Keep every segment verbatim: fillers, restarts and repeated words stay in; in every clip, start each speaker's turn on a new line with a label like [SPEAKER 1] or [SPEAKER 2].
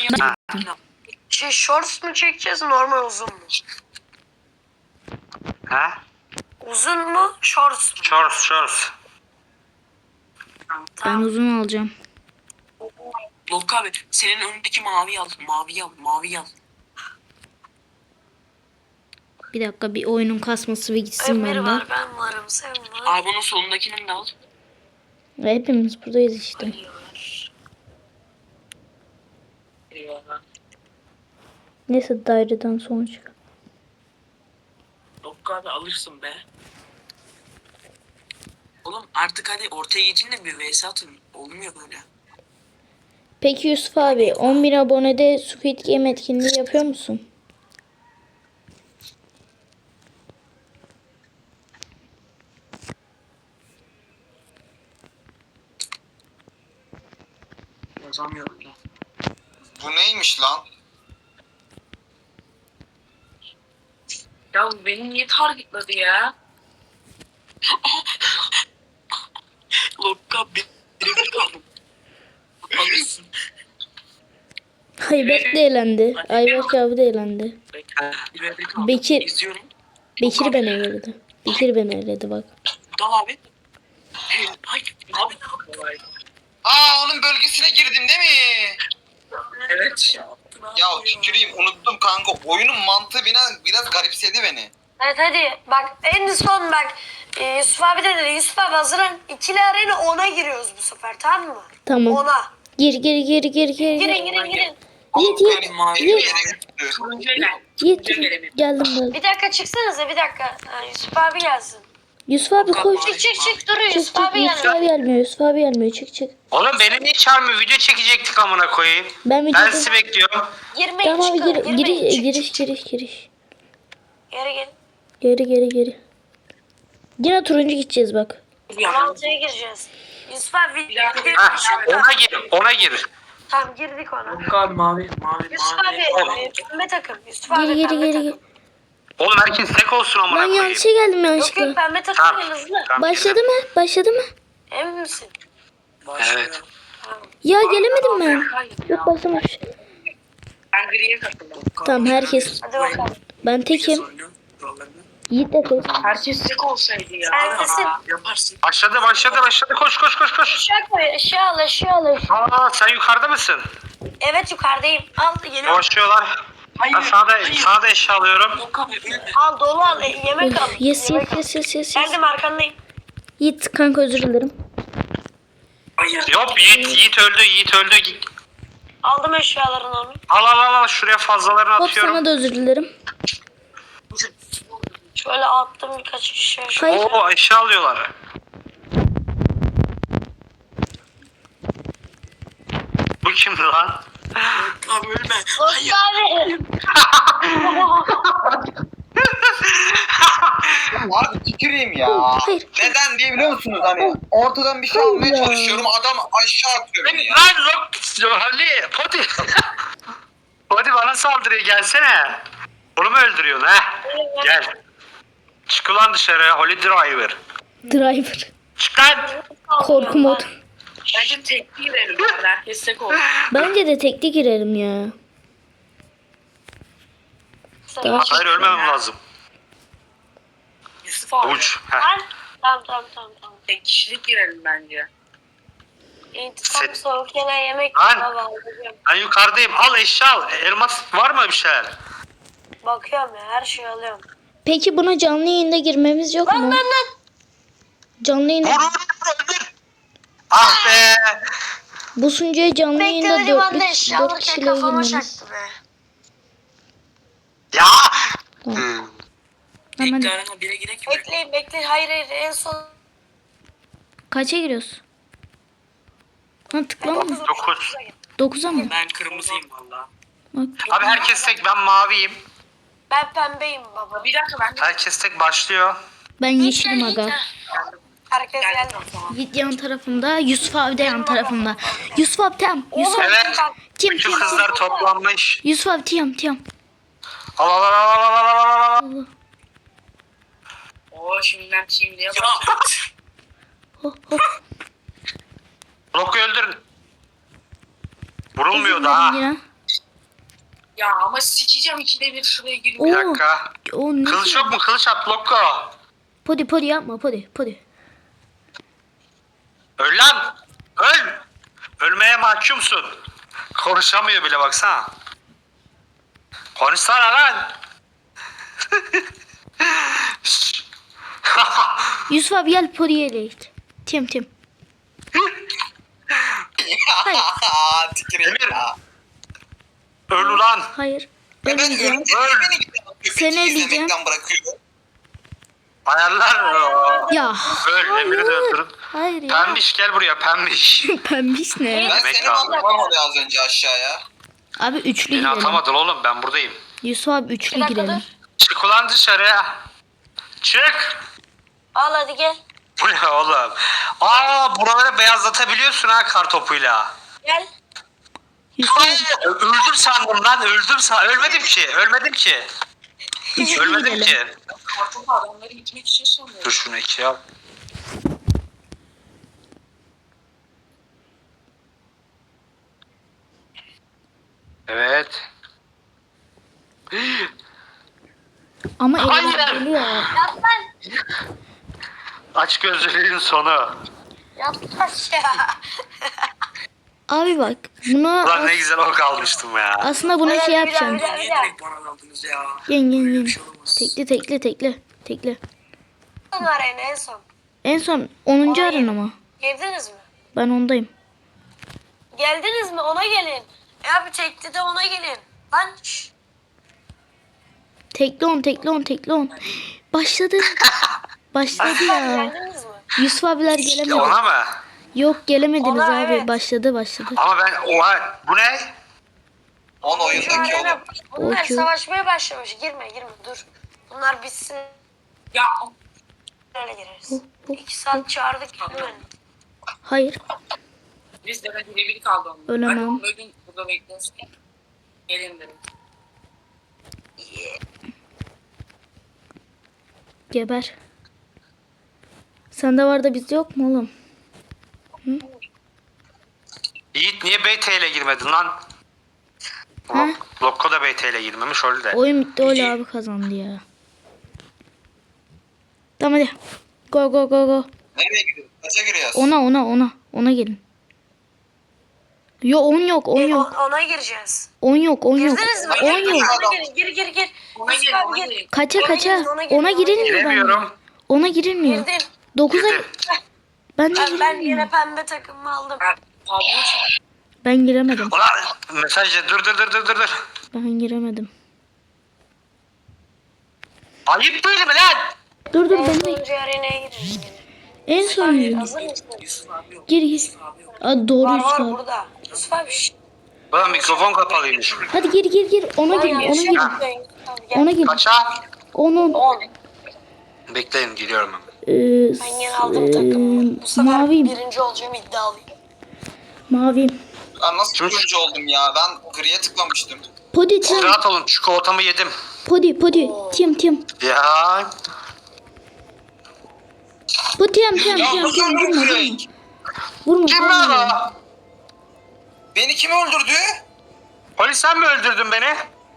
[SPEAKER 1] yapayım.
[SPEAKER 2] Şey shorts mu çekeceğiz normal uzun mu?
[SPEAKER 3] Ha?
[SPEAKER 2] Uzun mu shorts mu?
[SPEAKER 3] Shorts shorts.
[SPEAKER 4] Ben
[SPEAKER 2] Tamam.
[SPEAKER 4] uzun alacağım.
[SPEAKER 1] Lok abi senin önündeki mavi al. Mavi al. Mavi al.
[SPEAKER 4] Bir dakika bir oyunun kasması bir gitsin
[SPEAKER 2] Emir
[SPEAKER 4] benden.
[SPEAKER 2] var, ben varım, sen var.
[SPEAKER 1] Abi bunun solundakini de al.
[SPEAKER 4] Ve hepimiz buradayız işte.
[SPEAKER 1] Eyvallah.
[SPEAKER 4] Neyse daireden sonra çık.
[SPEAKER 1] Lok abi alırsın be. Oğlum artık hadi ortaya geçin de bir vs atın. Olmuyor böyle.
[SPEAKER 4] Peki Yusuf abi on bin abonede Squid Game etkinliği yapıyor musun?
[SPEAKER 1] Yazamıyorum ya.
[SPEAKER 5] Bu neymiş lan?
[SPEAKER 1] Ya bu beni niye targetladı ya? Lok abi birebir kaldım. Alırsın.
[SPEAKER 4] Ayberk de eğlendi. Ayberk abi de eğlendi.
[SPEAKER 1] Birebir kaldım.
[SPEAKER 4] Bekir.
[SPEAKER 1] İzliyorum.
[SPEAKER 4] Bekir beni eledi. Bekir beni eledi bak.
[SPEAKER 1] Dal abi. Hey, hayır. Abi ne yapıyorsun?
[SPEAKER 5] Aa onun bölgesine girdim değil mi?
[SPEAKER 1] Evet.
[SPEAKER 5] Ya tüküreyim unuttum kanka. Oyunun mantığı biraz, biraz garipsedi beni.
[SPEAKER 2] Evet hadi bak en son bak e, Yusuf abi de dedi. Yusuf abi hazırlan. İkili arena ona giriyoruz bu sefer, tamam mı?
[SPEAKER 4] Tamam.
[SPEAKER 2] Ona.
[SPEAKER 4] Gir gir gir gir gir.
[SPEAKER 2] Girin girin girin.
[SPEAKER 4] Yiğit
[SPEAKER 5] Oğlum,
[SPEAKER 4] Yiğit.
[SPEAKER 5] beni
[SPEAKER 1] mavi
[SPEAKER 5] bir yere
[SPEAKER 4] Yiğit.
[SPEAKER 5] götürdü.
[SPEAKER 1] Turuncuya gel.
[SPEAKER 4] Yiğit.
[SPEAKER 1] Turuncuya gelelim.
[SPEAKER 4] Geldim geldim.
[SPEAKER 2] Bir dakika çıksanıza bir dakika. Ha, Yusuf abi gelsin.
[SPEAKER 4] Yusuf abi koş.
[SPEAKER 2] Çık çık çık dur
[SPEAKER 4] Çık
[SPEAKER 2] Yusuf
[SPEAKER 4] çık.
[SPEAKER 2] abi
[SPEAKER 4] Yusuf
[SPEAKER 2] gelsin.
[SPEAKER 4] abi gelmiyor. Yusuf abi gelmiyor. Çık çık.
[SPEAKER 3] Oğlum beni niye çağırmıyor? Video çekecektik amına koyayım.
[SPEAKER 4] Ben
[SPEAKER 3] Ben
[SPEAKER 4] videoda...
[SPEAKER 3] sizi bekliyorum.
[SPEAKER 2] Girmeyin
[SPEAKER 4] Tamam abi
[SPEAKER 2] çıkın.
[SPEAKER 4] gir,
[SPEAKER 2] Girmeyin.
[SPEAKER 4] giriş,
[SPEAKER 2] Çık,
[SPEAKER 4] giriş
[SPEAKER 2] çık,
[SPEAKER 4] giriş giriş.
[SPEAKER 2] Geri gel.
[SPEAKER 4] Geri geri geri. Yine turuncu gideceğiz bak.
[SPEAKER 2] on altıya gireceğiz. Yusuf abi video
[SPEAKER 3] Ha,
[SPEAKER 2] video
[SPEAKER 3] ona gir, ona gir.
[SPEAKER 2] Tamam girdik ona.
[SPEAKER 1] Lok abi mavi mavi
[SPEAKER 2] Yusuf
[SPEAKER 1] mavi.
[SPEAKER 2] abi e, pembe takım. Yusuf abi
[SPEAKER 4] Geri geri
[SPEAKER 2] pembe
[SPEAKER 4] geri.
[SPEAKER 2] takım.
[SPEAKER 4] geri.
[SPEAKER 3] Oğlum herkes tek olsun amına
[SPEAKER 4] Ben
[SPEAKER 3] koyayım.
[SPEAKER 4] yanlışa geldim
[SPEAKER 2] Yok
[SPEAKER 4] yanlışlıkla.
[SPEAKER 2] yok pembe takım
[SPEAKER 3] Tamam.
[SPEAKER 2] en hızlı.
[SPEAKER 3] Tamam,
[SPEAKER 4] Başladı mı? Başladı mı?
[SPEAKER 2] Emin misin?
[SPEAKER 3] Evet.
[SPEAKER 2] Tamam.
[SPEAKER 4] Ya gelemedim ben.
[SPEAKER 1] Hayır
[SPEAKER 4] Yok başlamış.
[SPEAKER 1] Ben griye katıldım.
[SPEAKER 4] Tamam herkes.
[SPEAKER 2] Hadi bakalım.
[SPEAKER 4] Ben tekim. Yiğit de tek.
[SPEAKER 1] Herkes tek olsaydı ya.
[SPEAKER 2] Sen kesin.
[SPEAKER 1] Aa, yaparsın.
[SPEAKER 3] Başladı, başladı, başladı. Koş, koş, koş, koş.
[SPEAKER 2] Aşağı koy aşağı al aşağı al aşağı.
[SPEAKER 3] Aa, sen yukarıda mısın?
[SPEAKER 2] Evet yukarıdayım. Al geliyorum.
[SPEAKER 3] Koşuyorlar.
[SPEAKER 1] Hayır.
[SPEAKER 3] Ben sana da,
[SPEAKER 1] hayır.
[SPEAKER 3] sana da eşya alıyorum.
[SPEAKER 1] Lok abi ölme.
[SPEAKER 2] Al dolu al. e, Yemek al.
[SPEAKER 4] Of, yes
[SPEAKER 2] Yemek
[SPEAKER 4] yes
[SPEAKER 2] al.
[SPEAKER 4] yes yes yes. yes.
[SPEAKER 2] Geldim arkandayım.
[SPEAKER 4] Yiğit kanka özür dilerim.
[SPEAKER 1] Hayır.
[SPEAKER 3] Yok, Yiğit, Yiğit öldü, Yiğit öldü.
[SPEAKER 2] Aldım eşyalarını onu.
[SPEAKER 3] Al, al, al, al. Şuraya fazlalarını
[SPEAKER 4] Hop
[SPEAKER 3] atıyorum.
[SPEAKER 4] sana da özür dilerim.
[SPEAKER 2] Şöyle attım birkaç kişi.
[SPEAKER 4] Hayır.
[SPEAKER 3] Oo, eşya alıyorlar. Bu kim lan?
[SPEAKER 1] Abi ölme.
[SPEAKER 2] Hayır.
[SPEAKER 1] Hayır.
[SPEAKER 2] Abi.
[SPEAKER 5] Abi tüküreyim ya.
[SPEAKER 4] Hayır.
[SPEAKER 5] Neden diye biliyor musunuz hani? Ortadan bir şey almaya
[SPEAKER 4] Ya.
[SPEAKER 5] çalışıyorum. Adam aşağı atıyor beni ya.
[SPEAKER 3] Lan yok. Ali, Poti. Poti bana saldırıyor. Gelsene. Onu mu öldürüyorsun ha? Gel. Çık ulan dışarı. Holy Driver.
[SPEAKER 4] Driver.
[SPEAKER 3] Çık lan.
[SPEAKER 4] Korku mod.
[SPEAKER 1] Bence tekliği verin. Yani herkes tek olsun.
[SPEAKER 4] Bence de tekli girelim ya. Daha
[SPEAKER 3] Hayır, ölmemem lazım.
[SPEAKER 1] Yusuf abi.
[SPEAKER 3] Uç. Heh.
[SPEAKER 2] Ben? Tamam tamam tamam tamam.
[SPEAKER 1] Tek kişilik girelim bence.
[SPEAKER 2] İntikam
[SPEAKER 3] Set-
[SPEAKER 2] soğuk yine yemek
[SPEAKER 3] Lan.
[SPEAKER 2] baba alacağım.
[SPEAKER 3] Ben yukarıdayım. Al eşya al. Elmas var mı bir şeyler?
[SPEAKER 2] Bakıyorum ya her şeyi alıyorum.
[SPEAKER 4] Peki buna canlı yayında girmemiz yok
[SPEAKER 2] Lan
[SPEAKER 4] mu?
[SPEAKER 2] lan lan.
[SPEAKER 4] Canlı
[SPEAKER 3] Vur
[SPEAKER 4] yayında
[SPEAKER 3] vur vur öldür. Ah be.
[SPEAKER 4] bu sunucuya canlı yayında
[SPEAKER 2] Bekledim ben de
[SPEAKER 4] dört
[SPEAKER 2] eşya
[SPEAKER 4] dört
[SPEAKER 2] alırken
[SPEAKER 4] kişiyle
[SPEAKER 2] kafama
[SPEAKER 4] girmemiz.
[SPEAKER 2] çaktı be.
[SPEAKER 3] Ya.
[SPEAKER 4] Tamam.
[SPEAKER 3] Hmm.
[SPEAKER 4] Hemen
[SPEAKER 1] Tekli arena bire girek mi?
[SPEAKER 2] Bekleyin bekleyin hayır hayır en son.
[SPEAKER 4] kaça giriyoruz? Ha tıklama mı?
[SPEAKER 3] Dokuz.
[SPEAKER 4] dokuza mı?
[SPEAKER 1] Ben kırmızıyım valla.
[SPEAKER 4] Bak.
[SPEAKER 3] Abi herkes tek. Ben maviyim.
[SPEAKER 2] Ben pembeyim baba.
[SPEAKER 1] Bir dakika ben de
[SPEAKER 3] Herkes tek başlıyor.
[SPEAKER 4] Ben yeşilim aga.
[SPEAKER 2] Herkes geldi.
[SPEAKER 1] geldim. Tamam.
[SPEAKER 4] Yiğit yan tarafımda, Yusuf abi de yan tarafımda. Yusuf abi tam. Yusuf abi
[SPEAKER 3] Evet.
[SPEAKER 4] tim
[SPEAKER 3] Bütün
[SPEAKER 4] tim.
[SPEAKER 3] kızlar toplanmış.
[SPEAKER 4] Yusuf abi tiyam tiyam.
[SPEAKER 3] Al al al al al al al al.
[SPEAKER 4] Allah.
[SPEAKER 1] Oo şimdiden şimdiye bak.
[SPEAKER 4] Oh, oh.
[SPEAKER 3] Bloku öldürün. Vurulmuyor
[SPEAKER 4] Özür
[SPEAKER 3] daha.
[SPEAKER 4] dilerim yine.
[SPEAKER 1] Ya ama sikeceğim ikide bir şuraya giriyor.
[SPEAKER 3] Bir
[SPEAKER 4] Oo.
[SPEAKER 3] dakika.
[SPEAKER 4] O ne?
[SPEAKER 3] Kılıç yok mu? Kılıç at Lokko.
[SPEAKER 4] Podi podi yapma podi podi.
[SPEAKER 3] Öl lan. Öl. Ölmeye mahkumsun. Konuşamıyor bile baksana. Konuşsana lan. Şşş.
[SPEAKER 4] Yusuf abi gel podiye ele git. Tim tim. Hayır.
[SPEAKER 5] Aa tüküreyim
[SPEAKER 3] Emir.
[SPEAKER 5] ya.
[SPEAKER 3] Öl ulan.
[SPEAKER 4] Hayır.
[SPEAKER 5] Ben
[SPEAKER 4] Ölmeyeceğim.
[SPEAKER 5] ölünce
[SPEAKER 3] Öl.
[SPEAKER 5] beni köpek
[SPEAKER 4] Seni eleyeceğim.
[SPEAKER 5] izlemekten bırakıyor.
[SPEAKER 3] Ayarlar.
[SPEAKER 4] Ya.
[SPEAKER 3] Öl. Emir'i de öldürün.
[SPEAKER 4] Hayır ya.
[SPEAKER 3] Pembiş gel buraya pembiş.
[SPEAKER 4] Pembiş ne?
[SPEAKER 5] Ben
[SPEAKER 3] Demek
[SPEAKER 5] seni
[SPEAKER 3] lazım.
[SPEAKER 5] attım oraya az önce aşağıya.
[SPEAKER 4] Abi üçlü
[SPEAKER 3] Beni
[SPEAKER 4] girelim.
[SPEAKER 3] atamadın oğlum ben buradayım.
[SPEAKER 4] Yusuf abi üçlü
[SPEAKER 2] Bir dakika
[SPEAKER 4] girelim.
[SPEAKER 2] dur.
[SPEAKER 3] Çık ulan dışarıya. Çık.
[SPEAKER 2] Al hadi gel.
[SPEAKER 3] Bu ne oğlum? Aa buraları beyazlatabiliyorsun ha kar topuyla.
[SPEAKER 2] Gel.
[SPEAKER 4] Yusuf abi
[SPEAKER 3] Ay, öldüm sandım lan öldüm san ölmedim ki ölmedim ki
[SPEAKER 4] üçlü
[SPEAKER 3] ölmedim
[SPEAKER 4] girelim.
[SPEAKER 3] ki.
[SPEAKER 1] Kartopu adamları gitmek için sanıyorum.
[SPEAKER 3] Dur şunu ikiye al. Evet.
[SPEAKER 4] Ama
[SPEAKER 3] Hayır.
[SPEAKER 4] elimden geliyor.
[SPEAKER 2] Yat lan.
[SPEAKER 3] Aç gözlüğün sonu.
[SPEAKER 2] Yat aşağı.
[SPEAKER 4] Abi bak buna
[SPEAKER 3] Ulan ne güzel ok almıştım ya.
[SPEAKER 4] aslında buna
[SPEAKER 2] Evet,
[SPEAKER 4] şey
[SPEAKER 2] bir
[SPEAKER 4] yapacağım.
[SPEAKER 2] daha, bir
[SPEAKER 1] Niye
[SPEAKER 2] daha.
[SPEAKER 1] direkt bana aldınız ya?
[SPEAKER 4] Yen yen
[SPEAKER 1] Böyle
[SPEAKER 4] yen.
[SPEAKER 1] bir şey olamaz.
[SPEAKER 4] Tekle tekle tekle tekle.
[SPEAKER 2] Son arena en son.
[SPEAKER 4] En son onuncu
[SPEAKER 2] Hayır.
[SPEAKER 4] arena mı?
[SPEAKER 2] Girdiniz mi?
[SPEAKER 4] Ben ondayım.
[SPEAKER 2] Geldiniz mi? Ona gelin. E abi tekli de ona gelin. Lan şşş.
[SPEAKER 4] Tekle on tekle on tekli on. Başladı. Başladı ya.
[SPEAKER 2] Geldiniz mi?
[SPEAKER 4] Yusuf abiler
[SPEAKER 3] Ya
[SPEAKER 4] gelemedi.
[SPEAKER 3] ona mı?
[SPEAKER 4] Yok gelemediniz
[SPEAKER 2] Ona
[SPEAKER 4] abi.
[SPEAKER 2] evet.
[SPEAKER 4] Başladı başladı.
[SPEAKER 3] Ama ben oha bu ne?
[SPEAKER 5] On
[SPEAKER 2] Şu
[SPEAKER 5] oyundaki
[SPEAKER 2] arena,
[SPEAKER 5] oğlum.
[SPEAKER 2] bunlar
[SPEAKER 4] Okey.
[SPEAKER 2] savaşmaya başlamış. Girme girme dur. Bunlar bitsin.
[SPEAKER 1] Ya
[SPEAKER 2] Öyle gireriz. İki saat çağırdık hemen.
[SPEAKER 4] Hayır.
[SPEAKER 1] biz de ben birebir kaldı onun.
[SPEAKER 4] Ölemem.
[SPEAKER 1] Hadi onu öldün burada beklesin. Gelin dedim.
[SPEAKER 4] Geber. Sende var da bizde yok mu oğlum?
[SPEAKER 3] Yiğit niye B T ile girmedin lan?
[SPEAKER 4] Ha?
[SPEAKER 3] Lokko da B T ile girmemiş öyle de.
[SPEAKER 4] Oyun bitti öyle abi kazandı ya. Tamam hadi. Go go go go.
[SPEAKER 5] Nereye gidiyoruz? Kaça giriyoruz?
[SPEAKER 4] Ona ona ona. Ona gelin. Yo on yok on
[SPEAKER 2] E,
[SPEAKER 4] yok.
[SPEAKER 2] o- ona gireceğiz.
[SPEAKER 4] on yok on yok.
[SPEAKER 2] Girdiniz mi?
[SPEAKER 4] on yok.
[SPEAKER 2] Ona girin. Gir gir gir.
[SPEAKER 1] Ona
[SPEAKER 2] Yusuf
[SPEAKER 1] gelin
[SPEAKER 2] abi
[SPEAKER 1] ona
[SPEAKER 2] gir.
[SPEAKER 1] gelin.
[SPEAKER 4] Kaça
[SPEAKER 2] Ona
[SPEAKER 4] kaça.
[SPEAKER 2] girin, ona girin,
[SPEAKER 4] Ona
[SPEAKER 2] ona
[SPEAKER 4] girilmiyor bende.
[SPEAKER 3] Giremiyorum.
[SPEAKER 4] Ona girilmiyor.
[SPEAKER 2] Girdin.
[SPEAKER 4] dokuza
[SPEAKER 3] Girdim.
[SPEAKER 4] ben de
[SPEAKER 2] Ben, ben
[SPEAKER 4] girilmiyor.
[SPEAKER 2] yine pembe takımımı aldım.
[SPEAKER 1] Ha, Pablo için.
[SPEAKER 4] Ben giremedim.
[SPEAKER 3] Ulan mesajla dur dur dur dur dur dur.
[SPEAKER 4] Ben giremedim.
[SPEAKER 3] Ayıp değil mi lan?
[SPEAKER 4] Dur dur
[SPEAKER 2] En
[SPEAKER 4] ben de.
[SPEAKER 2] sonuncu arenaya girelim yine.
[SPEAKER 4] En son
[SPEAKER 2] Hazır mısın?
[SPEAKER 1] Yusuf abi yok.
[SPEAKER 4] gir gir.
[SPEAKER 1] Yusuf abi yok.
[SPEAKER 4] Aa, doğru
[SPEAKER 2] Var
[SPEAKER 4] Yusuf
[SPEAKER 2] var
[SPEAKER 4] abi.
[SPEAKER 2] burada. Yusuf abi şşş.
[SPEAKER 3] Ulan mikrofon kapalıymış.
[SPEAKER 4] Hadi gir gir gir. Ona gir. Ona gir. Ona gir.
[SPEAKER 3] Kaça?
[SPEAKER 4] Onun
[SPEAKER 2] on.
[SPEAKER 3] Bekleyin geliyorum hemen.
[SPEAKER 4] e,
[SPEAKER 2] Ben yine aldım takımımı. Bu sefer
[SPEAKER 4] maviyim.
[SPEAKER 2] birinci olacağım iddialıyım.
[SPEAKER 4] Maviyim.
[SPEAKER 5] Ben nasıl
[SPEAKER 3] Kim-
[SPEAKER 5] turuncu oldum ya? Ben griye tıklamıştım.
[SPEAKER 4] Podi tim.
[SPEAKER 3] Rahat olun çikolatamı yedim.
[SPEAKER 4] Podi podi. Tim tim.
[SPEAKER 3] Ya
[SPEAKER 4] Bu tim tim
[SPEAKER 5] Ya
[SPEAKER 4] tim
[SPEAKER 5] nasıl
[SPEAKER 4] tim.
[SPEAKER 5] öldürdün
[SPEAKER 4] Vurma
[SPEAKER 5] direkt?
[SPEAKER 4] vurma.
[SPEAKER 3] kim
[SPEAKER 4] Vurma.
[SPEAKER 3] lan
[SPEAKER 4] vurma.
[SPEAKER 3] o?
[SPEAKER 5] Beni kim öldürdü?
[SPEAKER 3] Polis sen mi öldürdün beni?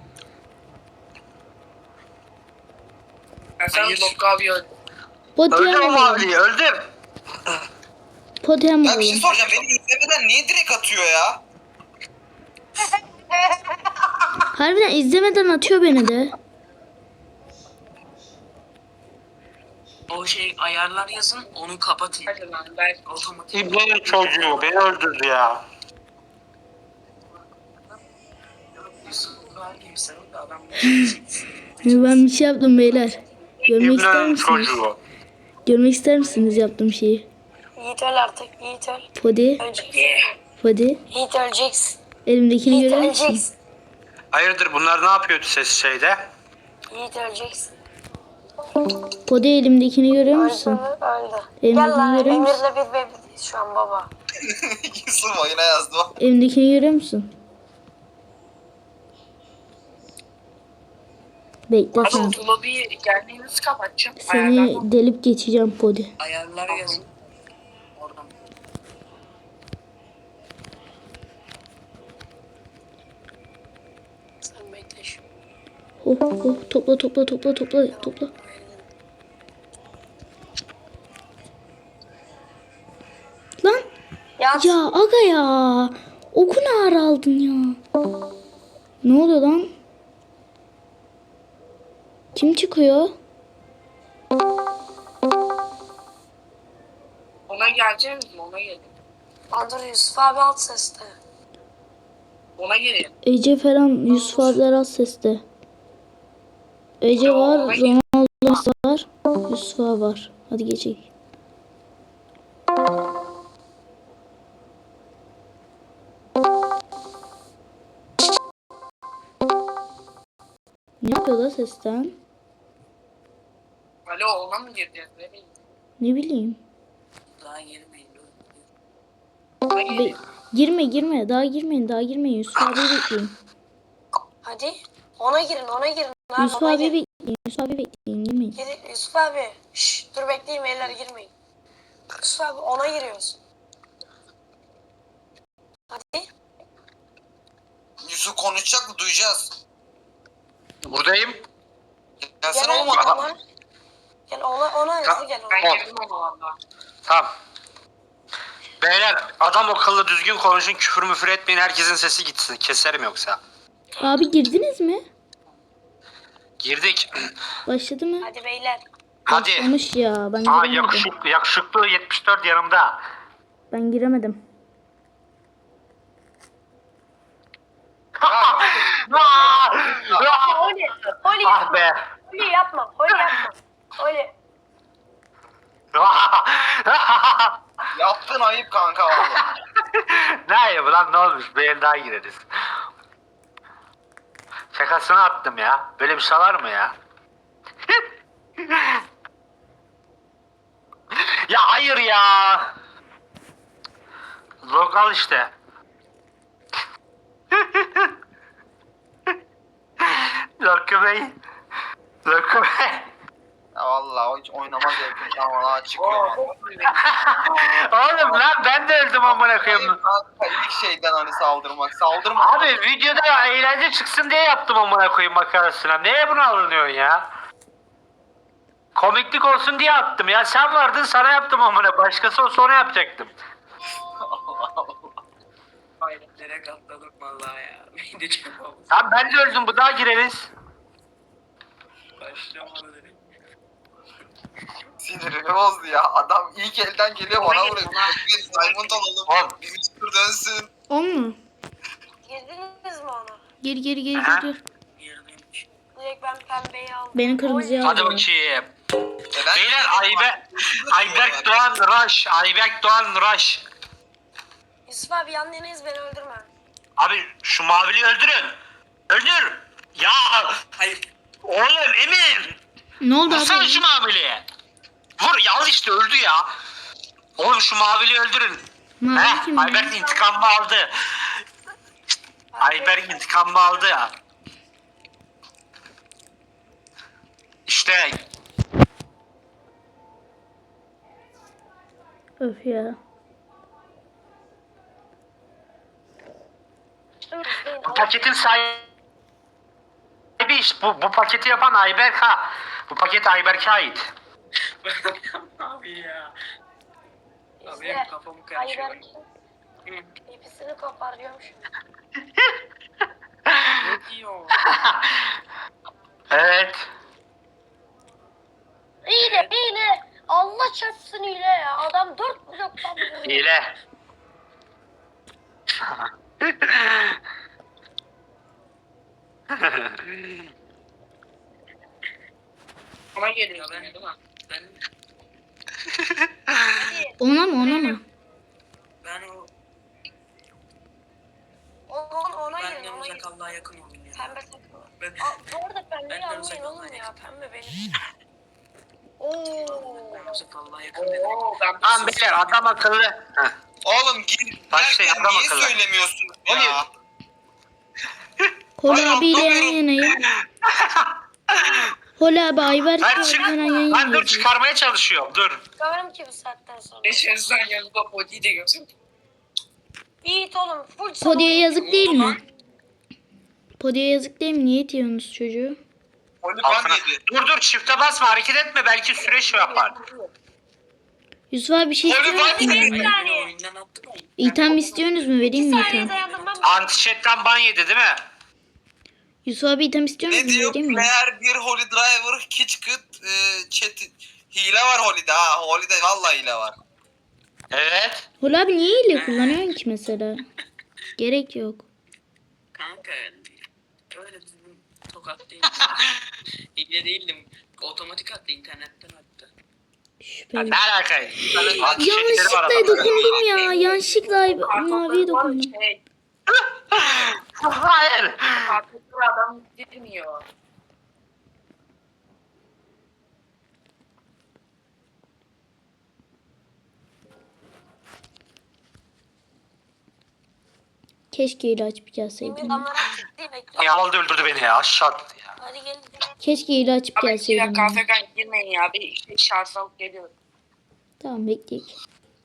[SPEAKER 1] Ben sen
[SPEAKER 5] Hayır.
[SPEAKER 1] Lokko abi öldü.
[SPEAKER 4] Podi
[SPEAKER 3] Öldüm
[SPEAKER 4] hem
[SPEAKER 3] o
[SPEAKER 4] vuralım.
[SPEAKER 3] maviyi öldüm.
[SPEAKER 4] Podi hem
[SPEAKER 5] Ya bir şey
[SPEAKER 4] vuralım.
[SPEAKER 5] soracağım. Beni izlemeden niye direkt atıyor ya?
[SPEAKER 4] Harbiden izlemeden atıyor beni de.
[SPEAKER 1] O şey ayarlar yazın onu kapatın. Hadi lan ben otomatik.
[SPEAKER 3] İbnenin çocuğu beni öldürdü ya.
[SPEAKER 1] Yusuf abi gibi sen de adam.
[SPEAKER 4] Ben bir şey yaptım beyler. Görmek ister
[SPEAKER 3] İbnenin
[SPEAKER 4] misiniz?
[SPEAKER 3] çocuğu.
[SPEAKER 4] Görmek ister misiniz yaptığım şeyi?
[SPEAKER 2] Yiğit öl artık. Yiğit öl.
[SPEAKER 4] Podi.
[SPEAKER 2] Öleceksin.
[SPEAKER 4] Podi.
[SPEAKER 2] Yiğit öleceksin.
[SPEAKER 4] Elimdekini
[SPEAKER 2] Yiğit
[SPEAKER 4] görüyor musun?
[SPEAKER 2] öleceksin.
[SPEAKER 3] Hayırdır bunlar ne yapıyordu ses şeyde?
[SPEAKER 2] Yiğit öleceksin.
[SPEAKER 4] Podi elimdekini görüyor
[SPEAKER 2] Öldü
[SPEAKER 4] musun?
[SPEAKER 2] mü? Öldü.
[SPEAKER 4] Elimdekini
[SPEAKER 2] Gel lan
[SPEAKER 4] görüyor musun?
[SPEAKER 2] Emir'le bir bebeğiz şu an baba.
[SPEAKER 5] Yusuf oyuna yazdı.
[SPEAKER 4] Elimdekini görüyor musun? Bekle
[SPEAKER 1] Abi
[SPEAKER 4] sen.
[SPEAKER 1] o lobiyi gelmeyi nasıl kapatacağım?
[SPEAKER 4] Seni
[SPEAKER 1] Ayarlar,
[SPEAKER 4] delip geçeceğim Podi.
[SPEAKER 1] ayarlar yazın. Oradan.
[SPEAKER 2] Sen bekle şimdi.
[SPEAKER 4] Oh oh topla topla topla topla topla. Lan
[SPEAKER 2] Yat.
[SPEAKER 4] ya aga ya. Oku ne ara aldın ya. Ne oluyor lan? Kim çıkıyor?
[SPEAKER 1] Ona geleceğiz mi? Ona gelin.
[SPEAKER 2] Lan dur Yusuf abi alt seste.
[SPEAKER 1] Ona gelin.
[SPEAKER 4] Ece falan Yusuf abiler az seste. Ece var, Ronaldo var, Yusuf abi var. Hadi geçelim. Ne yapıyor da sesten?
[SPEAKER 1] Alo ona mı gireceğiz? Ne bileyim.
[SPEAKER 4] Ne bileyim.
[SPEAKER 1] Daha girmeyin. Ona
[SPEAKER 4] Be-
[SPEAKER 1] gelin.
[SPEAKER 4] girme girme daha girmeyin daha girmeyin Yusuf abi bekleyin.
[SPEAKER 2] Hadi. Ona girin ona girin. Lan
[SPEAKER 4] Yusuf
[SPEAKER 2] ona
[SPEAKER 4] abi
[SPEAKER 2] girin.
[SPEAKER 4] bekleyin Yusuf abi bekleyin girmeyin.
[SPEAKER 2] Gir, Yusuf abi. Şşş dur bekleyin beyler girmeyin. Yusuf abi ona giriyoruz. Hadi.
[SPEAKER 5] Yusuf konuşacak mı? Duyacağız.
[SPEAKER 3] Buradayım.
[SPEAKER 5] Gelsene
[SPEAKER 2] Gel
[SPEAKER 5] oğlum
[SPEAKER 2] ona.
[SPEAKER 5] adam.
[SPEAKER 2] ona. Gel ona ona
[SPEAKER 3] Ta-
[SPEAKER 2] hızlı gel ona.
[SPEAKER 1] Ben girdim ona valla.
[SPEAKER 3] Tamam. Beyler adam akıllı düzgün konuşun, küfür müfür etmeyin, herkesin sesi gitsin. Keserim yoksa.
[SPEAKER 4] Abi girdiniz mi?
[SPEAKER 3] Girdik.
[SPEAKER 4] Başladı mı?
[SPEAKER 2] Hadi beyler.
[SPEAKER 3] Hadi.
[SPEAKER 4] Başlamış ya ben
[SPEAKER 3] Aa
[SPEAKER 4] giremedim.
[SPEAKER 3] yakışıklı, yakışıklı yetmiş dört yanımda.
[SPEAKER 4] Ben giremedim.
[SPEAKER 2] Oli. Oli
[SPEAKER 3] Ah
[SPEAKER 2] yapma.
[SPEAKER 3] be.
[SPEAKER 2] Oli yapma. Oli yapma. Oli.
[SPEAKER 5] Yaptın ayıp kanka valla.
[SPEAKER 3] Ne ayıbı lan, ne olmuş? Bir el daha gireriz. Şakasını attım ya. Böyle bir şey var mı ya? Ya hayır ya. Lokal işte. Lokal Bey. Lokal Bey.
[SPEAKER 5] Ya valla o hiç oynamaz yakın tamam daha çıkıyor.
[SPEAKER 3] Oğlum lan ben de öldüm amına koyayım.
[SPEAKER 5] Kanka ilk şeyden hani saldırmak. Saldırma.
[SPEAKER 3] Abi videoda eğlence çıksın diye yaptım amına koyayım makarasına. Neye bunu alınıyorsun ya? Komiklik olsun diye attım ya. Sen vardın sana yaptım amına. Başkası olsa ona yapacaktım.
[SPEAKER 1] Hayretlere katladım valla ya. Beni de çok oldu.
[SPEAKER 3] Tamam ben de öldüm. Bu daha gireriz.
[SPEAKER 1] Başlamadı dedim.
[SPEAKER 5] Sinirimi bozdu ya. Adam ilk elden geliyor
[SPEAKER 1] Ona
[SPEAKER 5] bana
[SPEAKER 1] gir,
[SPEAKER 5] vuruyor.
[SPEAKER 1] ona.
[SPEAKER 5] Biz Diamond alalım.
[SPEAKER 3] Oğlum.
[SPEAKER 5] Bizim tur dönsün.
[SPEAKER 4] On mu?
[SPEAKER 2] Girdiniz mi ona?
[SPEAKER 4] Gir gir gir
[SPEAKER 3] Aha.
[SPEAKER 4] gir. gir.
[SPEAKER 1] Yerdeymiş.
[SPEAKER 2] Direkt ben pembeyi aldım.
[SPEAKER 4] Beni kırmızıya
[SPEAKER 2] Oli.
[SPEAKER 3] Hadi
[SPEAKER 4] aldı.
[SPEAKER 3] bakayım.
[SPEAKER 5] E ben
[SPEAKER 3] Beyler Ayber, Ayberk Doğan Rush. Ayberk Doğan Rush.
[SPEAKER 2] Yusuf abi yandınız beni öldürme.
[SPEAKER 3] Abi şu maviliyi öldürün. Öldür. Ya
[SPEAKER 1] Hayır.
[SPEAKER 3] oğlum Emir.
[SPEAKER 4] Ne oldu
[SPEAKER 3] Vursana
[SPEAKER 4] abi?
[SPEAKER 3] şu maviliye. Vur ya işte öldü ya. Oğlum şu maviliyi öldürün.
[SPEAKER 4] Mavi
[SPEAKER 3] Heh,
[SPEAKER 4] kim?
[SPEAKER 3] Ayberk intikamını aldı. Ayberk intikamını aldı ya. İşte
[SPEAKER 4] Öf ya.
[SPEAKER 3] bu paketin sahibi iş. Bu, bu paketi yapan Ayberk ha. Bu paket Ayberk'e ait.
[SPEAKER 1] Abi ya. Abi
[SPEAKER 2] İşte
[SPEAKER 1] benim kafamı karışıyor.
[SPEAKER 2] Ayberk'in ipisini kopar diyormuş.
[SPEAKER 1] Ne diyor?
[SPEAKER 3] Evet.
[SPEAKER 2] Hile hile. Allah çarpsın hile ya. Adam dört bloktan vuruyor.
[SPEAKER 3] Hile.
[SPEAKER 1] Ona geliyor ben değil mi? Ben,
[SPEAKER 2] Hadi.
[SPEAKER 4] Ona mı ona mı?
[SPEAKER 1] ben o
[SPEAKER 2] Ona, ona
[SPEAKER 1] ben
[SPEAKER 2] girin
[SPEAKER 1] de
[SPEAKER 2] ona girin.
[SPEAKER 1] uzak Allah'a yakın oldum ya.
[SPEAKER 2] Pembe takımı.
[SPEAKER 1] Ben,
[SPEAKER 2] Aa, bu arada pembeyi
[SPEAKER 1] Ben de
[SPEAKER 2] almayın
[SPEAKER 1] uzak
[SPEAKER 2] oğlum
[SPEAKER 1] Allah'a
[SPEAKER 2] ya.
[SPEAKER 1] yakın.
[SPEAKER 2] Pembe benim. Oo.
[SPEAKER 1] ben uzak Allah'a yakın dedim. Ben
[SPEAKER 3] Tamam beyler adam akıllı. Heh.
[SPEAKER 5] Oğlum gir.
[SPEAKER 3] Başlayın,
[SPEAKER 5] Derken
[SPEAKER 3] adam
[SPEAKER 5] niye
[SPEAKER 3] akıllı.
[SPEAKER 5] söylemiyorsun ya?
[SPEAKER 4] Hol
[SPEAKER 5] Hayır,
[SPEAKER 4] abiyle yan
[SPEAKER 5] anlamıyorum.
[SPEAKER 4] yanayım. Hol abi Ayberk
[SPEAKER 3] Ben, çık,
[SPEAKER 4] abiyle yan
[SPEAKER 3] ben dur
[SPEAKER 4] yanayım.
[SPEAKER 3] çıkarmaya çalışıyorum dur.
[SPEAKER 2] Çıkarım ki bu saatten sonra.
[SPEAKER 1] Geçersen yanında body de gözüm.
[SPEAKER 2] Yiğit oğlum. Full
[SPEAKER 4] Podi'ye
[SPEAKER 2] savunma.
[SPEAKER 4] yazık değil mi? Podi'ye yazık değil mi? Niye itiyorsunuz çocuğu?
[SPEAKER 5] Holy
[SPEAKER 3] Altına.
[SPEAKER 5] ban yedi.
[SPEAKER 3] Dur dur çifte basma hareket etme belki süreç yapar.
[SPEAKER 4] Yusuf abi bir şey
[SPEAKER 5] Oğlum,
[SPEAKER 4] istiyor
[SPEAKER 5] ben
[SPEAKER 4] musun?
[SPEAKER 5] bir
[SPEAKER 2] Bir
[SPEAKER 4] benden?
[SPEAKER 2] saniye.
[SPEAKER 1] Oyundan attım.
[SPEAKER 4] İtem istiyorsunuz mu? Vereyim
[SPEAKER 2] İki
[SPEAKER 4] mi
[SPEAKER 2] saniye
[SPEAKER 4] item?
[SPEAKER 2] dayandım ben.
[SPEAKER 3] Anti-chat'ten ban yedi değil mi?
[SPEAKER 4] Yusuf abi item istiyor
[SPEAKER 5] Ne
[SPEAKER 4] musun?
[SPEAKER 5] diyor?
[SPEAKER 4] Vereyim mi?
[SPEAKER 5] Player bir Holy Driver Kitchkit e, chat hile var Holy'de ha. Holy'de vallahi hile var.
[SPEAKER 3] Evet.
[SPEAKER 4] Hul abi niye hile kullanıyorsun ki mesela? Gerek yok.
[SPEAKER 1] Kanka öyle düzgün tokat değil. İyi değildim. Otomatik attı internetten attı.
[SPEAKER 4] Şüpheli.
[SPEAKER 3] Ne alaka?
[SPEAKER 4] Yanlışlıkla dokundum ya. Yanlışlıkla maviye dokundum.
[SPEAKER 1] Şey,
[SPEAKER 3] Hayır.
[SPEAKER 1] kartlıklı adam girmiyor.
[SPEAKER 4] Keşke hile açıp gelseydim.
[SPEAKER 2] Emir damlara değil bekle.
[SPEAKER 3] Ya aldı öldürdü beni ya aşağı attı ya.
[SPEAKER 2] Hadi gel.
[SPEAKER 4] Keşke hile açıp
[SPEAKER 1] Abi iki
[SPEAKER 4] gelseydim.
[SPEAKER 1] dakika
[SPEAKER 4] ya.
[SPEAKER 1] Afrika'ya girmeyin ya. Bir işte şarj alıp geliyorum.
[SPEAKER 4] Tamam bekleyek.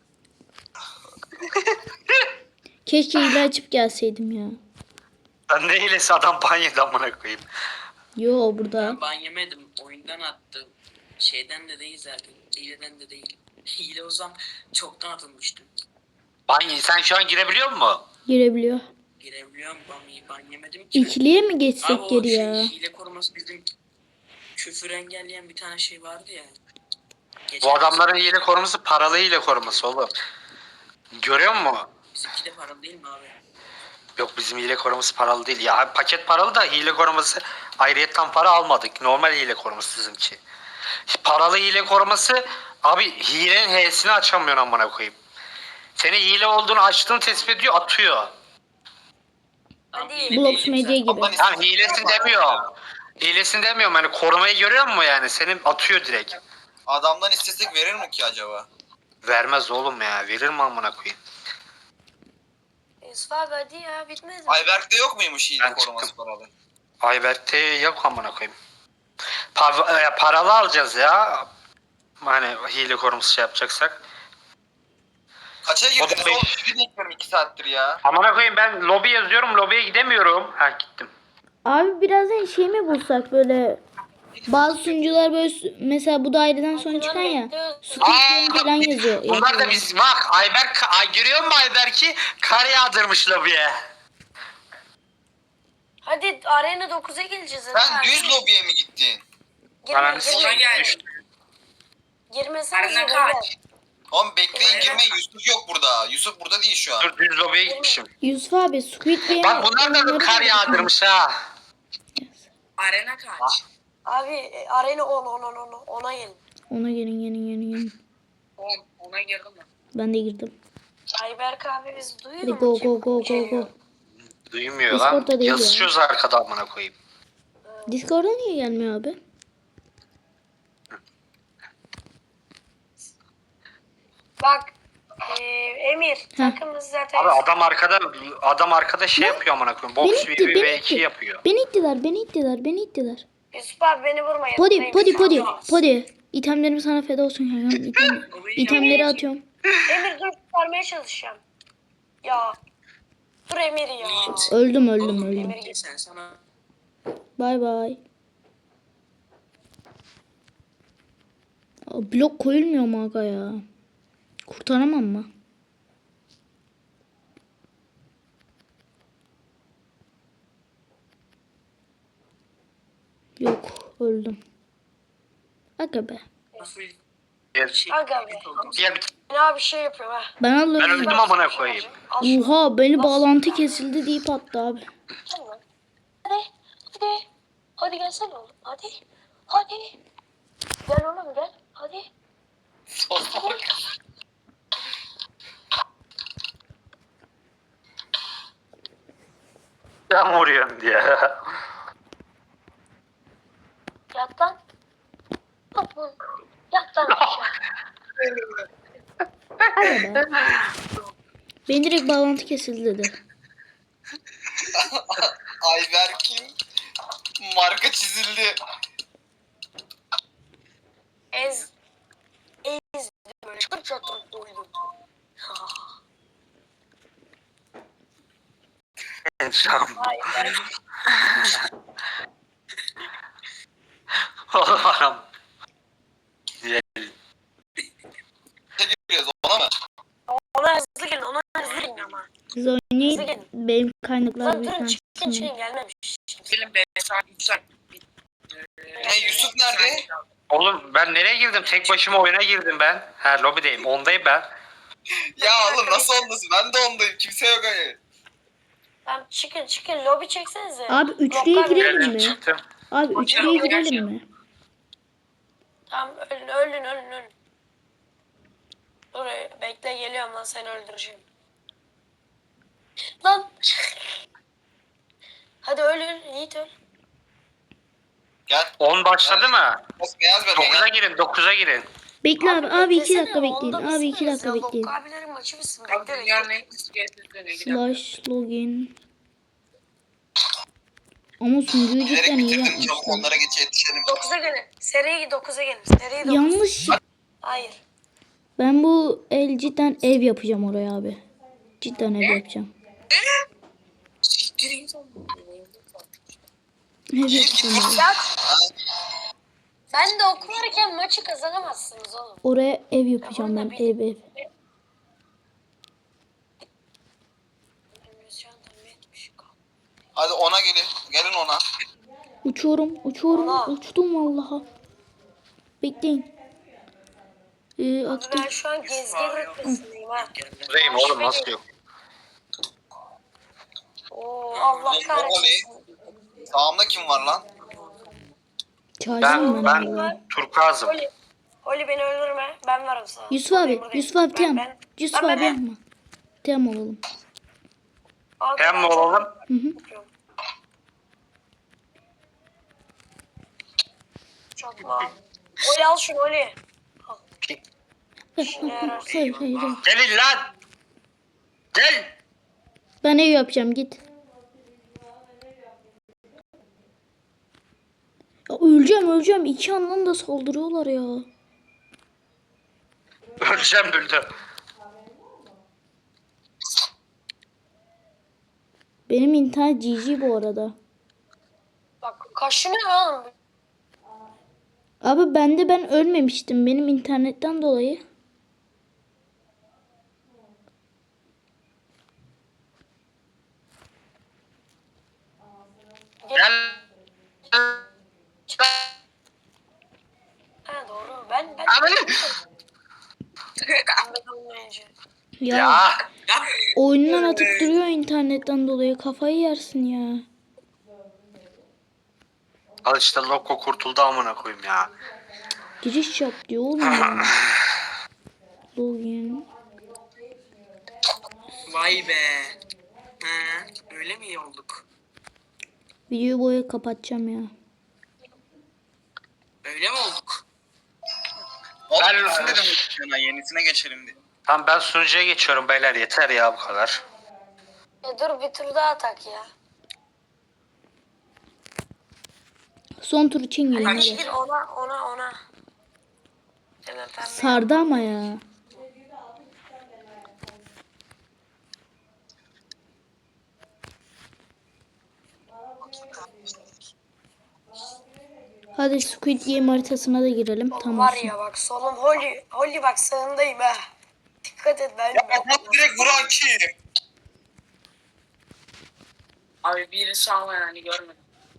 [SPEAKER 4] Keşke hile açıp gelseydim ya.
[SPEAKER 3] Ben ne hilesi adam ban yedi amına koyayım.
[SPEAKER 4] Yo burada.
[SPEAKER 1] Ben ban yemedim. Oyundan attım. Şeyden de değil zaten. Hileden de değil. Hile olsam çoktan atılmıştım.
[SPEAKER 3] Ban yedi. Sen şu an girebiliyor musun?
[SPEAKER 4] Girebiliyor.
[SPEAKER 1] Girebiliyorum ban, ban yemedim ki.
[SPEAKER 4] İkiliye mi
[SPEAKER 1] Abi
[SPEAKER 4] geçsek
[SPEAKER 1] o
[SPEAKER 4] geri
[SPEAKER 1] şey,
[SPEAKER 4] ya?
[SPEAKER 1] hile koruması bizim küfür engelleyen bir tane şey vardı ya. Geçen
[SPEAKER 3] Bu adamların hile koruması paralı hile koruması oğlum. Görüyor musun?
[SPEAKER 1] Bizimki de paralı değil mi abi?
[SPEAKER 3] Yok bizim hile koruması paralı değil. Ya paket paralı da hile koruması ayrıyetten para almadık. Normal hile koruması bizimki. Paralı hile koruması abi hilenin H'sini açamıyorsun amına koyayım. Seni hile olduğunu açtığını tespit ediyor atıyor.
[SPEAKER 1] Abi,
[SPEAKER 2] Hadi.
[SPEAKER 1] hile
[SPEAKER 4] Blox
[SPEAKER 1] değilim
[SPEAKER 4] Medya'ya
[SPEAKER 1] zaten.
[SPEAKER 4] gidelim.
[SPEAKER 3] Tamam hilesin demiyorum. Hilesin demiyorum hani korumayı görüyor musun yani? Senin atıyor direkt.
[SPEAKER 5] Adamdan istesek verir mi ki acaba?
[SPEAKER 3] Vermez oğlum ya. Verir mi amına koyayım?
[SPEAKER 2] Yusuf abi hadi ya bitmedi mi?
[SPEAKER 5] Ayberk'te yok muymuş hile
[SPEAKER 3] Ben
[SPEAKER 5] koruması
[SPEAKER 3] çıktım.
[SPEAKER 5] paralı?
[SPEAKER 3] Ayberk'te yok amına koyayım. Pa- e, paralı alacağız ya. Hani hile koruması şey yapacaksak.
[SPEAKER 5] Kaça
[SPEAKER 3] O da
[SPEAKER 5] girdiniz
[SPEAKER 3] beş.
[SPEAKER 5] oğlum? Sizi bekliyorum iki saattir ya.
[SPEAKER 3] Amına koyayım ben lobi yazıyorum. Lobiye gidemiyorum. Ha gittim.
[SPEAKER 4] Abi birazdan şey mi bulsak böyle bazı sunucular böyle sü- mesela bu daireden sonra çıkan ya Squid Game falan yazıyor.
[SPEAKER 3] Bunlar da
[SPEAKER 4] yazıyor.
[SPEAKER 3] biz bak Ayberk ay görüyor musun Ayberk'i? Kar yağdırmış lobiye.
[SPEAKER 2] Hadi arena dokuza geleceğiz. hadi
[SPEAKER 5] Sen
[SPEAKER 2] abi.
[SPEAKER 5] düz lobiye mi gittin?
[SPEAKER 2] Girme
[SPEAKER 3] Bana
[SPEAKER 1] Ona
[SPEAKER 2] girme.
[SPEAKER 1] gel.
[SPEAKER 2] Girmesene
[SPEAKER 1] Arena
[SPEAKER 2] beyler.
[SPEAKER 1] kaç?
[SPEAKER 5] Oğlum bekleyin
[SPEAKER 1] Evet.
[SPEAKER 5] girmeyin. Yusuf yok burada. Yusuf burada değil şu an.
[SPEAKER 3] Dur düz lobiye gitmişim.
[SPEAKER 4] Yusuf abi Squid Game
[SPEAKER 3] Bak bunlar da
[SPEAKER 4] oyunları
[SPEAKER 3] kar
[SPEAKER 4] da-
[SPEAKER 3] yağdırmış ha.
[SPEAKER 1] Arena kaç?
[SPEAKER 2] Abi e, arena on on on on ona gelin.
[SPEAKER 4] Ona gelin gelin gelin gelin.
[SPEAKER 1] On, ona girdim mi?
[SPEAKER 4] Ben de girdim.
[SPEAKER 2] Ayberk abi biz duyuyor
[SPEAKER 4] Hadi
[SPEAKER 2] mu
[SPEAKER 4] go
[SPEAKER 2] ki?
[SPEAKER 4] go go go
[SPEAKER 2] Geliyor.
[SPEAKER 4] go.
[SPEAKER 3] Duymuyor
[SPEAKER 4] Discord'da
[SPEAKER 3] lan.
[SPEAKER 4] değil ya.
[SPEAKER 3] Yazışıyoruz arkada amına koyayım.
[SPEAKER 4] Discord'a niye gelmiyor abi?
[SPEAKER 2] Bak e, Emir takımımız zaten
[SPEAKER 3] Abi adam arkada adam arkada şey yapıyor amına koyayım. Box
[SPEAKER 4] Beni itti,
[SPEAKER 3] V
[SPEAKER 4] beni
[SPEAKER 3] V iki
[SPEAKER 4] itti.
[SPEAKER 3] yapıyor.
[SPEAKER 4] Beni ittiler, beni ittiler, beni ittiler.
[SPEAKER 2] Yusuf abi beni vurma.
[SPEAKER 4] Podi,
[SPEAKER 2] yanındayım.
[SPEAKER 4] podi, podi, podi. İtemlerim sana feda olsun ya. İtem, itemleri atıyorum.
[SPEAKER 2] Emir dur kurtarmaya çalışacağım. Ya. Dur Emir ya.
[SPEAKER 1] Yiğit.
[SPEAKER 4] Öldüm, öldüm,
[SPEAKER 1] Oğlum,
[SPEAKER 4] öldüm.
[SPEAKER 2] Emir git.
[SPEAKER 1] Sen sana
[SPEAKER 4] Bay bay. Aa, blok koyulmuyor mu aga ya? Kurtaramam mı? Yok, öldüm. Aga be.
[SPEAKER 1] nasıl
[SPEAKER 3] Gel,
[SPEAKER 1] şey
[SPEAKER 2] Aga be.
[SPEAKER 3] gel bir
[SPEAKER 2] Ne abi şey yapıyorum ha.
[SPEAKER 4] Ben
[SPEAKER 3] ben
[SPEAKER 4] alıyorum.
[SPEAKER 3] öldüm amına koyayım.
[SPEAKER 2] Al şunu.
[SPEAKER 4] Oha beni bağlantı kesildi deyip attı abi.
[SPEAKER 2] Hadi. Hadi. Hadi gelsene oğlum. Hadi. Hadi. Gel oğlum gel. Hadi.
[SPEAKER 3] Sen vuruyorsun diye.
[SPEAKER 2] Yat lan. Yat lan. Yat lan aşağı.
[SPEAKER 4] Aga be. Benim direkt bağlantı kesildi dedi.
[SPEAKER 5] Ayberk'in marka çizildi.
[SPEAKER 2] Ez. Ez. Böyle çatır çatır doydum. Hayır. Ben...
[SPEAKER 3] Oğlum anam.
[SPEAKER 5] Giriyoruz ona mı?
[SPEAKER 2] Ona hızlı gelin. Ona hızlı gelin ama.
[SPEAKER 4] Siz oynayın. Benim kaynaklar
[SPEAKER 2] Lan durun
[SPEAKER 4] büyükten
[SPEAKER 2] çıkın
[SPEAKER 4] çıksın.
[SPEAKER 2] çıkın gelmemiş.
[SPEAKER 1] Gelin be saat üç saat.
[SPEAKER 5] Ne, Yusuf nerede?
[SPEAKER 3] Oğlum ben nereye girdim? Tek başıma oyuna girdim ben. Ha lobideyim. Ondayım ben.
[SPEAKER 5] Ya oğlum nasıl ondasın? Ben de ondayım. Kimse yok hani.
[SPEAKER 2] Tamam çıkın çıkın. Lobi çeksenize.
[SPEAKER 4] Abi üçlüye
[SPEAKER 2] Lokal
[SPEAKER 4] girelim
[SPEAKER 3] Geldim
[SPEAKER 4] mi?
[SPEAKER 3] çıktım.
[SPEAKER 4] Abi üçlüye girelim mi?
[SPEAKER 2] Tamam ölün ölün ölün ölün. Dur bekle geliyorum lan seni öldüreceğim. Lan. Hadi öl öl Yiğit öl.
[SPEAKER 5] Gel.
[SPEAKER 3] on başladı mı?
[SPEAKER 5] Bas beyaz ver.
[SPEAKER 3] dokuza
[SPEAKER 5] Gel.
[SPEAKER 3] girin. dokuza girin.
[SPEAKER 4] Bekle abi. Abi iki
[SPEAKER 2] beklesene,
[SPEAKER 4] dakika bekleyin.
[SPEAKER 2] onda
[SPEAKER 4] Abi iki
[SPEAKER 2] mısınız
[SPEAKER 4] dakika
[SPEAKER 2] ya?
[SPEAKER 4] bekleyin.
[SPEAKER 2] Lokka abilerin maçı mısın?
[SPEAKER 1] Abi
[SPEAKER 2] Bekle
[SPEAKER 1] dünyanın
[SPEAKER 2] bekle.
[SPEAKER 1] en kısa gezdirdiğine
[SPEAKER 4] Slash login. Ama sunucuyu
[SPEAKER 5] Bilerek
[SPEAKER 4] cidden iyi
[SPEAKER 5] bitirdim. Çabuk
[SPEAKER 4] yapmışlar.
[SPEAKER 5] onlara geç yetişelim.
[SPEAKER 2] dokuza gelin. Seriye dokuza gelin. Seriye dokuz.
[SPEAKER 4] Yanlış.
[SPEAKER 2] Hayır.
[SPEAKER 4] Ben bu el cidden ev yapacağım oraya abi. Cidden ev yapacağım.
[SPEAKER 1] Siktirin.
[SPEAKER 4] Ev yapacağım abi.
[SPEAKER 2] Ya. Ben de okularken maçı kazanamazsınız oğlum.
[SPEAKER 4] Oraya ev yapacağım ben. Ev ev.
[SPEAKER 5] Hadi ona gelin. Gelin ona.
[SPEAKER 4] Uçuyorum. Uçuyorum.
[SPEAKER 2] Allah.
[SPEAKER 4] Uçtum vallahi. Bekleyin. Ee, attım.
[SPEAKER 2] Ben şu an gezgin rütbesindeyim ha.
[SPEAKER 3] Buradayım oğlum nasıl yok?
[SPEAKER 2] Oo Allah kahretsin.
[SPEAKER 5] Sağımda kim var lan?
[SPEAKER 4] Çağıracağım
[SPEAKER 3] Ben,
[SPEAKER 4] ben.
[SPEAKER 3] ben
[SPEAKER 4] vallahi.
[SPEAKER 3] Turkuaz'ım.
[SPEAKER 2] Holly. Holly beni öldürme. Ben varım sana.
[SPEAKER 4] Yusuf abi.
[SPEAKER 2] Buradayım, buradayım.
[SPEAKER 4] Yusuf abi
[SPEAKER 2] Ben-
[SPEAKER 4] tamam.
[SPEAKER 2] ben-
[SPEAKER 4] Yusuf
[SPEAKER 2] ben-
[SPEAKER 4] abi
[SPEAKER 2] ben-
[SPEAKER 4] yapma. Tamam olalım.
[SPEAKER 2] Al,
[SPEAKER 3] Hem mi
[SPEAKER 2] ben çok
[SPEAKER 3] olalım?
[SPEAKER 4] Hı hı.
[SPEAKER 2] yapıyorum. Çok mal. Holly al şunu Holly. İşine yarar.
[SPEAKER 4] Hayır hayır hayır.
[SPEAKER 3] Gelin lan. Gel.
[SPEAKER 4] Ben ev yapacağım git. Ya öleceğim öleceğim. İki yandan da saldırıyorlar ya.
[SPEAKER 3] Öleceğim Bülbül.
[SPEAKER 4] Benim internet G G bu arada.
[SPEAKER 2] Bak kaşınıyor oğlum.
[SPEAKER 4] Abi bende ben ölmemiştim. Benim internetten dolayı.
[SPEAKER 3] Gel.
[SPEAKER 2] Ha doğru. Ben ben.
[SPEAKER 3] Abi.
[SPEAKER 2] Ben olmayınca.
[SPEAKER 4] Ya,
[SPEAKER 3] Ya.
[SPEAKER 4] oyundan atıp duruyor internetten dolayı. Kafayı yersin ya.
[SPEAKER 3] Al işte Loco kurtuldu amına koyayım ya.
[SPEAKER 4] Giriş yap diyor oğlum ya. Login.
[SPEAKER 1] Vay be. Ha, öyle mi iyi olduk?
[SPEAKER 4] Videoyu boya kapatacağım ya.
[SPEAKER 1] Öyle mi olduk?
[SPEAKER 5] Oğlum
[SPEAKER 3] Ben-
[SPEAKER 5] Yusuf dedim sana yenisine geçelim diye.
[SPEAKER 3] Tamam ben sunucuya geçiyorum beyler yeter ya bu kadar.
[SPEAKER 2] E dur bir tur daha tak ya.
[SPEAKER 4] Son tur için gelin hadi.
[SPEAKER 2] Gir ona ona ona. Hemen pembe.
[SPEAKER 4] Sardı ama ya. Hadi Squid Game haritasına da girelim. Tamam.
[SPEAKER 2] Var ya bak solum Holly. Holly bak sağındayım ha. Dikkat et ben.
[SPEAKER 5] Ya bak direkt vuran kim?
[SPEAKER 1] Abi biri sağ yani görmedim.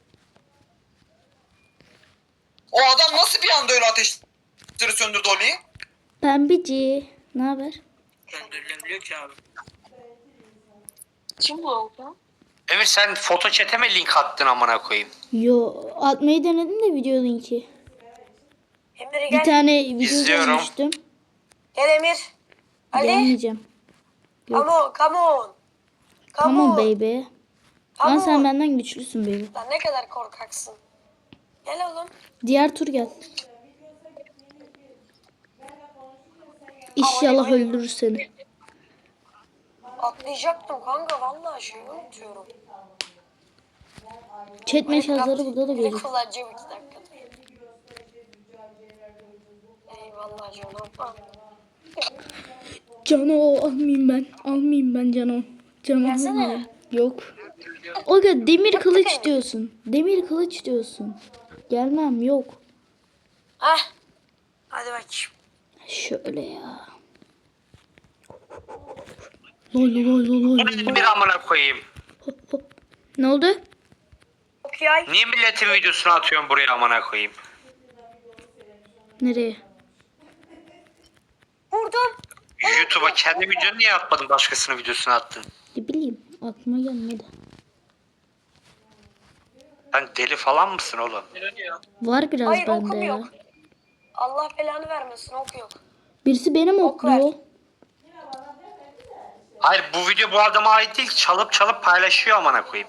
[SPEAKER 5] O adam nasıl bir anda öyle ateşleri söndürdü Oli'yi?
[SPEAKER 4] Pembici. Ne haber?
[SPEAKER 1] Döndürülebiliyor ki abi. Kim bu oldu?
[SPEAKER 3] Emir sen foto chat'e mi link attın amına koyayım?
[SPEAKER 4] Yo atmayı denedim de video linki.
[SPEAKER 2] Emir
[SPEAKER 4] Bir
[SPEAKER 2] gel.
[SPEAKER 4] tane video
[SPEAKER 3] İzliyorum.
[SPEAKER 4] görmüştüm.
[SPEAKER 2] Gel Emir. Ali.
[SPEAKER 4] Deneyeceğim.
[SPEAKER 2] Come on. Come on. Come
[SPEAKER 4] Tamam
[SPEAKER 2] on.
[SPEAKER 4] baby.
[SPEAKER 2] Come
[SPEAKER 4] Lan sen
[SPEAKER 2] on.
[SPEAKER 4] benden güçlüsün baby.
[SPEAKER 2] Lan ne kadar korkaksın. Gel oğlum.
[SPEAKER 4] Diğer tur gel. İnşallah öldürür seni.
[SPEAKER 2] Atlayacaktım kanka vallahi şeyi unutuyorum.
[SPEAKER 4] Chat meşazları burada da
[SPEAKER 2] Bir de
[SPEAKER 4] gözüküyor.
[SPEAKER 2] kullanacağım iki dakikada. Eyvallah canım.
[SPEAKER 4] Cano almayayım ben. Almayayım ben Cano. Cano
[SPEAKER 2] Versene.
[SPEAKER 4] almayayım. Yok. Aga demir kılıç diyorsun. Demir kılıç diyorsun. Gelmem yok.
[SPEAKER 2] Heh. Hadi bakayım.
[SPEAKER 4] Şöyle ya. Lol lol lol lol. lol.
[SPEAKER 3] Bir amına koyayım.
[SPEAKER 4] Hop, hop. Ne oldu?
[SPEAKER 2] Çok yay.
[SPEAKER 3] Niye milletin videosunu atıyorsun buraya amına koyayım?
[SPEAKER 4] Nereye?
[SPEAKER 2] Vurdum.
[SPEAKER 3] YouTube'a kendi videonu niye atmadın, başkasının videosunu attın?
[SPEAKER 4] Ne bileyim aklıma gelmedi.
[SPEAKER 3] Sen deli falan mısın oğlum?
[SPEAKER 4] Var biraz
[SPEAKER 2] Hayır,
[SPEAKER 4] bende
[SPEAKER 2] okum
[SPEAKER 4] ya.
[SPEAKER 2] yok. Allah belanı vermesin, ok yok.
[SPEAKER 4] Birisi benim
[SPEAKER 2] Ok ver.
[SPEAKER 4] okluyor.
[SPEAKER 3] Hayır, bu video bu adama ait değil, çalıp çalıp paylaşıyor amına koyayım.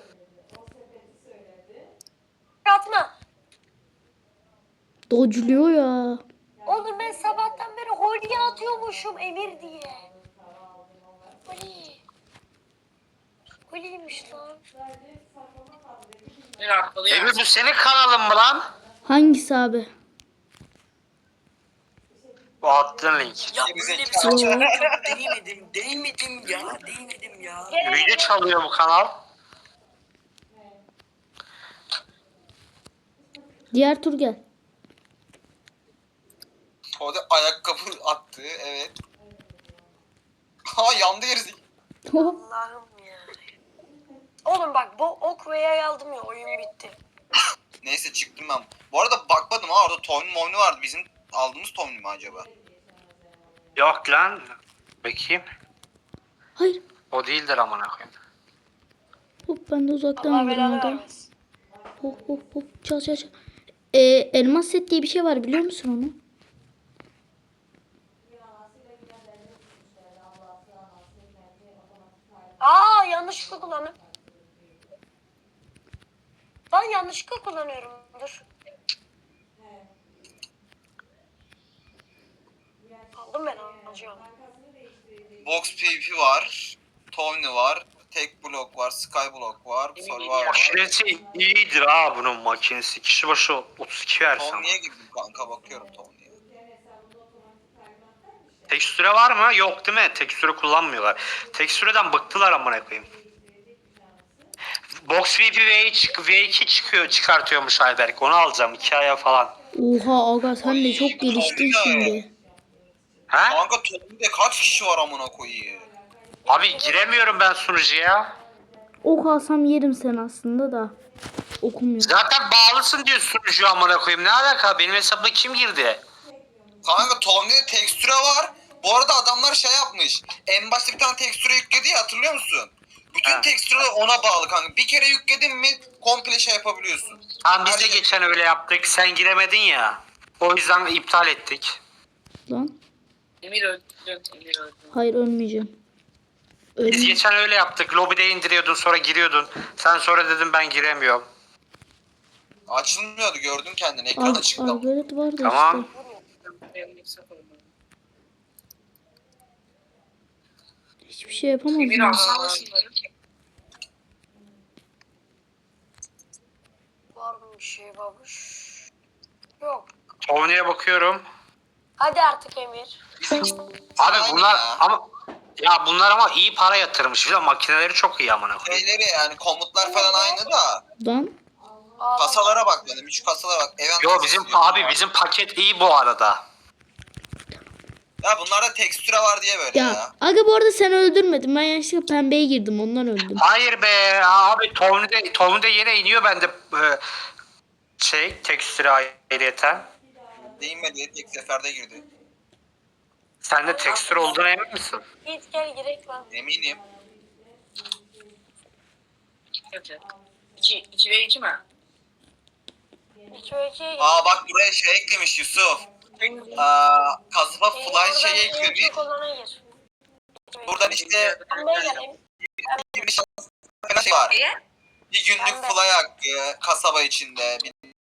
[SPEAKER 2] Atma.
[SPEAKER 4] Dodge'luyor ya.
[SPEAKER 2] Oğlum ben sabahtan beri Holly'ye atıyormuşum Emir diye. Holly. Holly'ymiş lan.
[SPEAKER 1] Bir arkalı
[SPEAKER 3] Emir, bu senin kanalın mı lan?
[SPEAKER 4] Hangisi abi?
[SPEAKER 3] Bu attığın link.
[SPEAKER 1] Ya böyle bir saçma çok değmedim. Değmedim ya. Değmedim ya.
[SPEAKER 2] Gel,
[SPEAKER 3] Video
[SPEAKER 2] gel.
[SPEAKER 3] çalıyor bu kanal.
[SPEAKER 4] Diğer tur gel.
[SPEAKER 5] O da ayakkabı attı, evet. Ha yandı gerisi.
[SPEAKER 2] Allah'ım ya. Oğlum bak bu ok ve yay aldım ya, oyun bitti.
[SPEAKER 5] Neyse çıktım ben. Bu arada bakmadım ha, orada Tony Momni vardı. Bizim aldığımız Tony mi acaba?
[SPEAKER 3] Yok lan. Bakayım.
[SPEAKER 4] Hayır.
[SPEAKER 3] O değildir amına koyayım.
[SPEAKER 4] Hop ben de uzaktan
[SPEAKER 2] Allah
[SPEAKER 4] alırım
[SPEAKER 2] belanı
[SPEAKER 4] aga.
[SPEAKER 2] vermesin.
[SPEAKER 4] Hop hop hop. Çal çal çal. Ee, elmas set diye bir şey var biliyor musun onu?
[SPEAKER 2] Aa yanlışlıkla kullandım. Ben yanlışlıkla kullanıyorum. Dur. Aldım ben alacağım.
[SPEAKER 5] Box P V P var. Tony var. Tek blok var. Skyblock var. Survivor var.
[SPEAKER 3] Makinesi iyidir ha bunun makinesi. Kişi başı otuz iki versen.
[SPEAKER 5] Tony'ye girdim kanka, bakıyorum Tony'ye.
[SPEAKER 3] Tekstüre var mı? Yok değil mi? Tekstüre kullanmıyorlar. Tekstüreden bıktılar amına koyayım. Box V P V iki, V iki çıkıyor, çıkartıyormuş Ayberk. Onu alacağım iki aya falan.
[SPEAKER 4] Oha aga sen de
[SPEAKER 5] Ay,
[SPEAKER 4] çok geliştin
[SPEAKER 5] çok
[SPEAKER 4] şimdi.
[SPEAKER 3] He?
[SPEAKER 5] Kanka Tony'de kaç kişi var amına koyayım?
[SPEAKER 3] Abi giremiyorum ben sunucuya.
[SPEAKER 4] Ok alsam yerim sen aslında da. Okumuyor.
[SPEAKER 3] Zaten bağlısın diyor sunucu amına koyayım. Ne alaka? Benim hesabıma kim girdi?
[SPEAKER 5] Kanka Tony'de tekstüre var. Bu arada adamlar şey yapmış. En başta bir tane tekstüre yükledi ya, hatırlıyor musun? Bütün
[SPEAKER 3] Ha.
[SPEAKER 5] tekstüreler ona bağlı kanka. Bir kere yükledin mi komple şey yapabiliyorsun.
[SPEAKER 3] Tamam, biz de
[SPEAKER 5] Her şey-
[SPEAKER 3] geçen öyle yaptık. Sen giremedin ya. O yüzden iptal ettik.
[SPEAKER 4] Lan.
[SPEAKER 1] Emir öldü. Emir öldü.
[SPEAKER 4] Hayır ölmeyeceğim.
[SPEAKER 3] Biz
[SPEAKER 4] Ölmeyeceğim.
[SPEAKER 3] geçen öyle yaptık. Lobide indiriyordun, sonra giriyordun. Sen sonra dedin ben giremiyorum.
[SPEAKER 5] Açılmıyordu, gördüm kendini, ekran
[SPEAKER 4] Ar
[SPEAKER 5] açıktı.
[SPEAKER 4] Arbalet var da
[SPEAKER 3] Tamam.
[SPEAKER 4] işte. Hiçbir şey yapamadım.
[SPEAKER 1] Emir alsana şunları.
[SPEAKER 2] Var mı bir şey babuş? Yok.
[SPEAKER 3] Tony'ye bakıyorum.
[SPEAKER 2] Hadi artık Emir.
[SPEAKER 3] Abi
[SPEAKER 5] Aynen
[SPEAKER 3] bunlar
[SPEAKER 5] ya.
[SPEAKER 3] ama ya bunlar ama iyi para yatırmış. Bir de makineleri çok iyi amına koyayım.
[SPEAKER 5] Şeyleri yani komutlar falan aynı da.
[SPEAKER 4] Lan.
[SPEAKER 2] Aa,
[SPEAKER 5] Kasalara bak benim, üç kasalara bak. Event
[SPEAKER 3] Yo
[SPEAKER 5] kasası
[SPEAKER 3] bizim
[SPEAKER 5] diyor.
[SPEAKER 3] abi bizim paket iyi bu arada.
[SPEAKER 5] Ya bunlarda tekstüre var diye böyle ya.
[SPEAKER 4] Ya aga bu arada sen öldürmedin. Ben yanlışlıkla pembeye girdim ondan öldüm.
[SPEAKER 3] Hayır be abi, Tony'de Tony'de yine iniyor bende e, şey tekstüre ayrıyeten.
[SPEAKER 5] Değinmedi, tek seferde girdi.
[SPEAKER 3] Sende tekstür olduğuna emin misin?
[SPEAKER 2] git gel girek lan.
[SPEAKER 5] Eminim.
[SPEAKER 1] İki, iki ve iki mi?
[SPEAKER 2] İki ve ikiye gir.
[SPEAKER 5] Aa bak buraya şey eklemiş Yusuf. Aa, kasaba
[SPEAKER 2] Ee,
[SPEAKER 5] fly
[SPEAKER 2] oradan
[SPEAKER 5] şey
[SPEAKER 2] en
[SPEAKER 5] eklemiş.
[SPEAKER 2] çok olana gir.
[SPEAKER 5] Buradan işte
[SPEAKER 2] Pembeye geleyim.
[SPEAKER 5] bir şey var.
[SPEAKER 1] Niye?
[SPEAKER 5] Bir günlük
[SPEAKER 2] Pembe.
[SPEAKER 5] fly hakkı kasaba içinde.